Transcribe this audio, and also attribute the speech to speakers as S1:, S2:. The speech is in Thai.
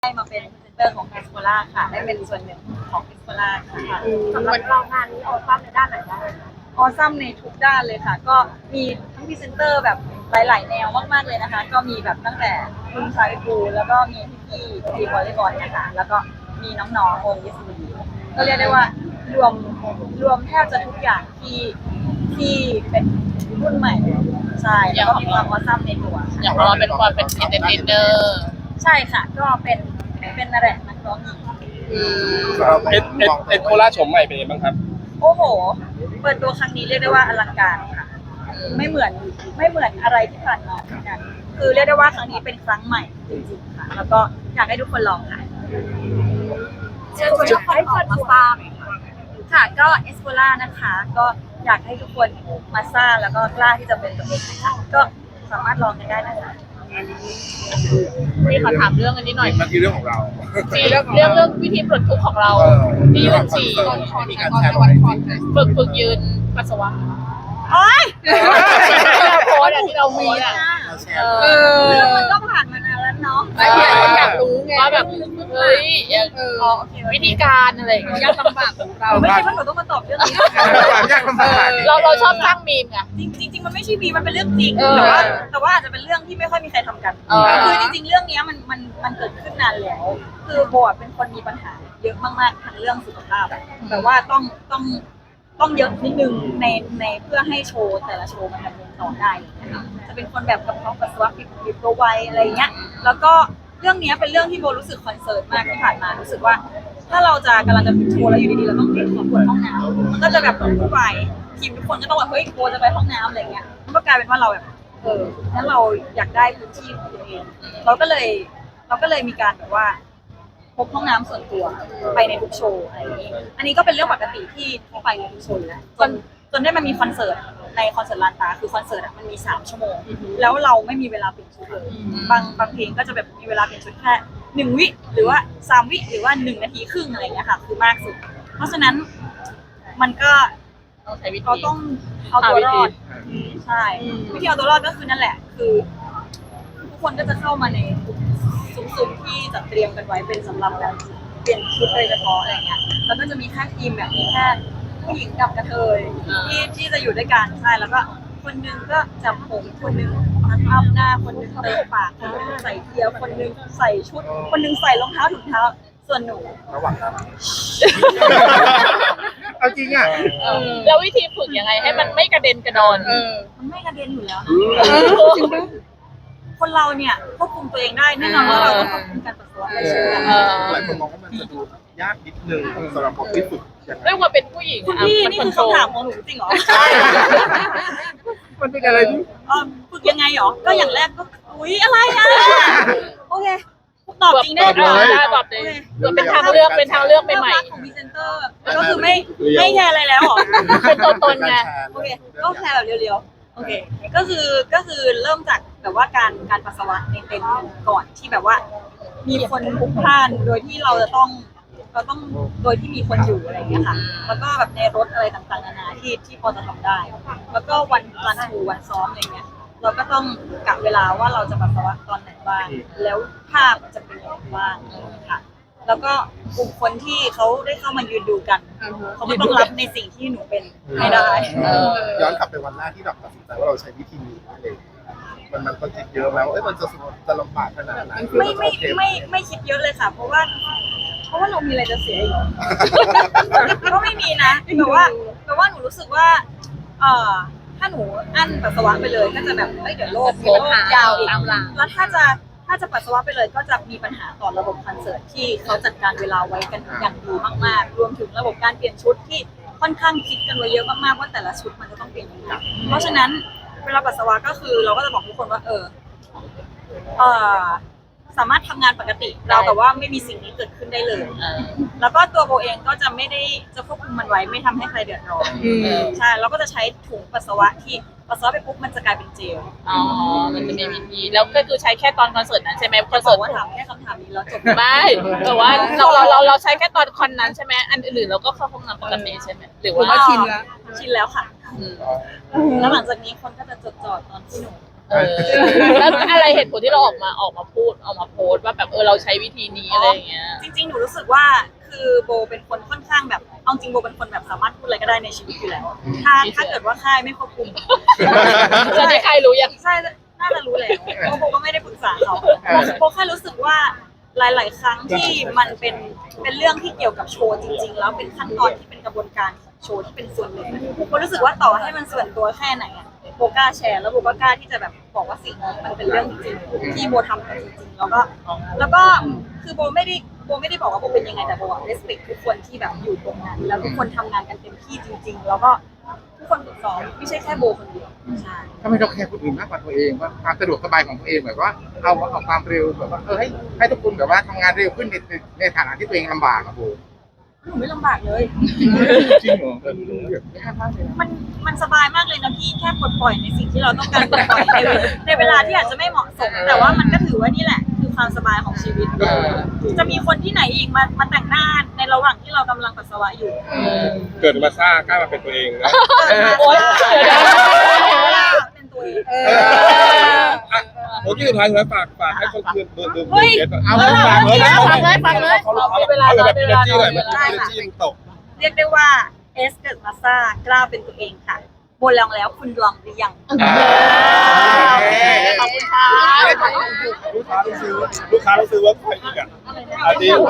S1: ได้มาเป็นพรีเซนเตอร์ของเอสโ o ล่าค่ะได้เป็นส่วนหนึ่งของเอสโ o ล่าค่ะ
S2: สำหรับเรางานนี้ออซัมในด้านไหนบ้าง
S1: ออซัมในทุกด้านเลยค่ะก็มีทั้งพรีเซนเตอร์แบบหลายๆแนวมากๆเลยนะคะก็มีแบบตั้งแต่คุณชายปูแล้วก็มีพี่ๆทีมวอลเลย์บอลนะคะแล้วก็มีน้องๆวงยิสบีก็เรียกได้ว่ารวมแทบจะทุกอย่างที่เป็นรุ่นใหม่ใช่แล้วก็มีความออซัมในตัว
S3: อย่างเราเป็นความเป็นเอนเตอร์เทนเนอร์
S1: ใช่ค่ะก็เป็นอะไรนักร้องหญิง
S4: เอ็ดโคล่าโฉมใหม่เป็นยังไงบ้างครับ
S1: โอ้โหเปิดตัวครั้งนี้เรียกได้ว่าอลังการค่ะไม่เหมือนอะไรที่ผ่านมาเหมือนกันคือเรียกได้ว่าครั้งนี้เป็นครั้งใหม่จริงๆค่ะแล้วก็อยากให้ทุกคนลองค่ะเชิญชวนทุกคนออกมาทราบค่ะก็เอสโ o ล่านะคะก็อยากให้ทุกคนมาซ่าแล้วก็กล้าที่จะเป็นตัวเองนะคะก็สามารถลองกันได้นะคะ
S3: พี่ขอถามเรื่องอันนี้หน่อย
S4: มันคือเรื่องของเรา
S3: เรื่องวิธีปลดทุกข์ของเราที่ยืนฉี่
S4: มีการแชร์ไว้
S3: ฝึกยืนปัสสาวะ
S1: โอ๊ย
S3: โพสที่เรามีอ่ะ
S1: มันก็ผ่านมานานแล้วเนาะ
S3: อยากรู้ไงว่าแบบเฮ้ยวิธีการอะไรยากลำบากของเรา
S1: ไม่ใช่ว่าหนูต้องมาตอบเรื่องนี้
S3: เราชอบสร้างมีมไง
S1: จริงมันไม่ใช่มีมันเป็นเรื่องจริงแต่ว่าอาจจะเป็นเรื่องที่ไม่ค่อยมีใครทำกันคือจริงๆเรื่องนี้มันเกิดขึ้นนานแล้วคือโบเป็นคนมีปัญหาเยอะมากๆทั้งเรื่องสุขภาพแต่ว่าต้องเยอะนิดนึงในเพื่อให้โชว์แต่ละโชว์มันดำเนินต่อได้นะคะจะเป็นคนแบบกระเพาะปัสสาวะผิดตัวไวอะไรเงี้ยแล้วก็เรื่องนี้เป็นเรื่องที่โบรู้สึกคอนเซิร์นมากที่ผ่านมารู้สึกว่าถ้าเราจะกำลังจะโชว์แล้วอยู่ดีๆเราต้องขอปวดห้องน้ำมันก็จะแบบวุ่นวายทีมทุกคนก็ต้องแบบเฮ้ยโบจะไปห้องน้ำอะไรเงี้ยมันก็กลายเป็นว่าเราแบบงั้นเราอยากได้พื้นที่ของตัวเองเราก็เลยมีการแบบว่าพกห้องน้ำส่วนตัวไปในทุกโชว์อะไรอย่างนี้อันนี้ก็เป็นเรื่องปกติที่ไปในทุกโชว์แล้วจนได้มันมีคอนเสิร์ตในคอนเสิร์ตลานตาคือคอนเสิร์ตมันมี3 ชั่วโมงแล้วเราไม่มีเวลาเปลี่ยนชุดเลยบางเพลงก็จะแบบมีเวลาเปลี่ยนชุดแค่1 วิหรือว่า3 วิหรือว่า1 นาทีครึ่งอะไรอย่างเงี้ยค่ะคือมากสุดเพราะฉะนั้นมันก็เราต้องเอาตัวรอดใช่วิธีเอาตัวรอดก็คือนั่นแหละคือทุกคนก็จะเข้ามาในซุ้มที่จัดเตรียมกันไว้เป็นสำหรับแบบเปลี่ยนชุดโดยเฉพาะอะไรเงี้ยแล้วก็จะมีแค่ทีมแบบมีแค่ผู้หญิงกับกระเทยที่จะอยู่ด้วยกันใช่แล้วก็คนนึงก็จับผมคนนึงพันอัพหน้าคนนึงเติมปากคนนึงใส่เกียร์คนนึงใส่ชุดคนนึงใส่รองเท้าถุงเท้าส่วนหนู
S4: ระหว่างนั้นเอาจริงอ่ะ
S3: แล้ววิธีฝึกยังไงให้มันไม่กระเด็นกระดอน
S1: มันไม่กระเด็นอยู่แล้วคนเราเนี่ยควบคุมตัวเองได้แน่นอนว่าเราต้องควบคุมการปัสสาวะได้เช่นกัน
S4: หลายคนมองว่ามันจะดูยากนิดนึงสำหรับคนที่ฝึก
S3: เรื่องว่าเป็นผู้หญิง
S1: คุณพี่นี่คือคำถามของหนูจริงเหรอใช่
S4: มันเป็นอะไรที่
S1: ฝึกยังไงหรอก็อย่างแรกก็อุ๊ยอะไรอ่ะโอเคตอบจริงได้
S3: ตอบเลยเป็นทางเลือกใหม่
S1: ของพรีเซนเตอร์ก็คือไม่แคร์อะไรแล้วหรอ
S3: เป็นตัวตนไง
S1: โอเคก็แคร์แบบเรียวๆโอเคก็คือเริ่มจากแบบว่าการปัสสาวะในเต็นท์ก่อนที่แบบว่ามีคนพลุกพล่านโดยที่เราต้องโดยที่มีคนอยู่อะไรอย่างเงี้ยค่ะแล้วก็แบบในรถอะไรต่างๆนานาที่พอจะทำได้แล้วก็วันรันทรูวันซ้อมอะไรเงี้ยเราก็ต้องกะเวลาว่าเราจะปัสสาวะตอนไหนบ้างแล้วภาพจะเป็นยังไงบ้างค่ะแล้วก็กลุ่มคนที่เขาได้เข้ามายืนดูกันเขาก็ต้องรับในสิ่งที่หนูเป็นไม่ได้
S4: ย้อนกลับไปวันแรกที่แบบตัดสินใจว่าเราใช้วิธีนี้เลยมันก็คิดเยอะแล้วมันจะลำบากขนาดไหน
S1: ไม่คิดเยอะเลยค่ะเพราะว่าเรามีอะไรจะเสียอีกก็ไม่มีนะแต่ว่าหนูรู้สึกว่าถ้าหนูอั้นปัสสาวะไปเลยก็จะแบบเดี๋ยวโรคยาวอีกแล้วถ้าจะปัสสาวะไปเลยก็จะมีปัญหาต่อระบบคอนเสิร์ตที่เขาจัดการเวลาไว้กันอย่างดีมากๆรวมถึงระบบการเปลี่ยนชุดที่ค่อนข้างคิดกันไว้เยอะมากๆว่าแต่ละชุดมันจะต้องเปลี่ยนยังไงเพราะฉะนั้นเวลาปัสสาวะก็คือเราก็จะบอกทุกคนว่าสามารถทำงานปกติเราแต่ว่าไม่มีสิ่งนี้เกิดขึ้นได้เลยแล้วก็ตัวโบเองก็จะไม่ได้จะควบคุมมันไว้ไม่ทำให้ใครเดือดร้อนใช่เราก็จะใช้ถุงปัสสาวะที่ปัสสาวะไปปุ๊บมันจะกลายเป็นเจล
S3: มันจะมีวิธีแล้วก็คือใช้แค่ตอนคอนเสิร์ตนั้นใช่ไหมคอนเสิร์ต
S1: ว่าถามแค่คำถามนี้แล้วจบ
S3: ไม่แต่ว่าเราใช้แค่ตอนคอนนั้นใช่ไหมอันอื่นเราก็เข้าห้องน้ำปกติใช่ไหมหรือว่า
S1: ชินแล้วค่ะแล้วหลังจากนี้คนก็จะจดจ่อตอนที่หนู
S3: แล้วอะไรเหตุผลที่เราออกมาพูดออกมาโพสต์ว่าแบบเราใช้วิธีนี้อะไรอย่างเงี้ย
S1: จริงๆ หนูรู้สึกว่าคือโบเป็นคนค่อนข้างแบบเอาจริงโบเป็นคนแบบสามารถพูดอะไรก็ได้ในชีวิตอยู่แล้วถ้าเกิดว่าค่ายไม่ควบคุม
S3: จะได้ใครรู้ยัง
S1: ใช่น่าจะรู้แล้วเพราะโบก็ไม่ได้ปรึกษาเขาโบแค่รู้สึกว่าหลาย ๆ ครั้งที่มันเป็นเรื่องที่เกี่ยวกับโชว์จริง ๆ แล้วเป็นขั้นตอนที่เป็นกระบวนการของโชว์ที่เป็นส่วนหนึ่งโบรู้สึกว่าต่อให้มันส่วนตัวแค่ไหนอะโบกล้าแชร์แล้วโบก็กล้าที่จะแบบบอกว่าสิ่งนี้มันเป็นเรื่องจริงๆที่โบทำกันจริงๆแล้วก็คือโบไม่ได้บอกว่าโบเป็นยังไงแต่โบอะ respect ทุกคนที่แบบอยู่ตรงนั้นแล้วทุกคนทำงานกันเต็มที่จริง ๆ แล้วก็ทุกคนฝึกซ้อมไม่ใช่แค่โบคนเดียวใช่
S5: ทำไมเราแคร์คนอื่นมากกว่าตัวเองว่าความสะดวกสบายของตัวเองแบบว่าเอาความเร็วแบบว่าให้ทุกคนแบบว่าทำงานเร็วขึ้นในฐานะที่ตัวเองลำบากอะโบ
S1: หนูไม่ลำบากเลย
S5: จริงเหรอไม่คาดมากเลยนะ
S1: มันสบายมากเลยนะพี่แค่ปลดปล่อยในสิ่งที่เราต้องการปลดปล่อยในเวลาที่อาจจะไม่เหมาะสม แต่ว่ามันก็ถือว่านี่แหละคือความสบายของชีวิต จะมีคนที่ไหนอีกมาแต่งหน้าในระหว่างที่เรากำลังปัสสาวะอยู่
S6: เกิดมาซ่ากล้ามาเป็นตัวเองนะ
S3: โอ๊ยเดี๋ยวนะ
S1: เป็นตัวเอง
S6: โอ้ที่สุดท้ายสุดท้ายฝากให้คนคืนดู
S1: เฮ้ย
S5: เอา
S6: ฝากเลยนะ
S3: ฟังเลย
S6: เขาแบบมีเนจี้หน่อยมันมีเนจี้มันตก
S1: เรียกได้ว่าเอสเกิดมาซ่ากล้าเป็นตัวเองค่ะโบลองแล้วคุณลองหรือยัง
S3: ขอบคุณค่ะ
S6: ลูกค้าต้องซื้อว่าใครอีกอ่ะอันนี้